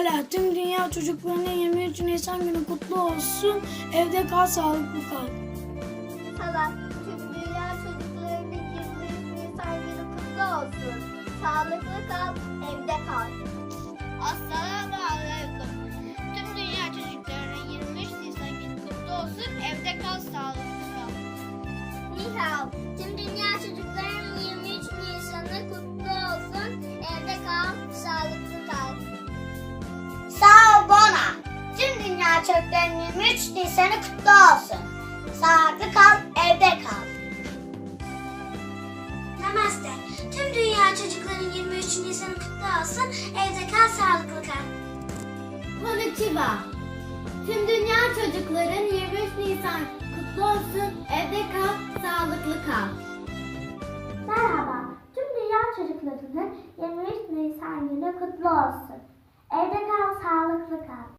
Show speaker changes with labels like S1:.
S1: Hola, tüm dünya çocuklarının 23 Nisan günü kutlu olsun. Evde kal, sağlıklı kal.
S2: Salam, tüm dünya çocuklarının 23 Nisan günü kutlu olsun. Sağlıklı kal, evde kal.
S3: Assalamu alaikum. Tüm dünya çocuklarının 23 Nisan günü kutlu olsun. Evde kal, sağlıklı kal.
S2: Ni hao, tüm dünya çocuklarının 23 Nisan'ı kutlu olsun. Evde kal, sağlıklı kal. Sağ ol Bona. Tüm dünya çocuklarının 23 Nisan'ı kutlu olsun. Sağlıklı kal, evde kal.
S4: Namaste. Tüm dünya çocukların 23 Nisan'ı kutlu olsun. Evde kal, sağlıklı kal.
S2: Konnichiwa. Tüm dünya çocukların 23 Nisan kutlu olsun. Evde kal, sağlıklı kal.
S4: Merhaba. Tüm dünya çocuklarının 23 Nisan günü kutlu olsun.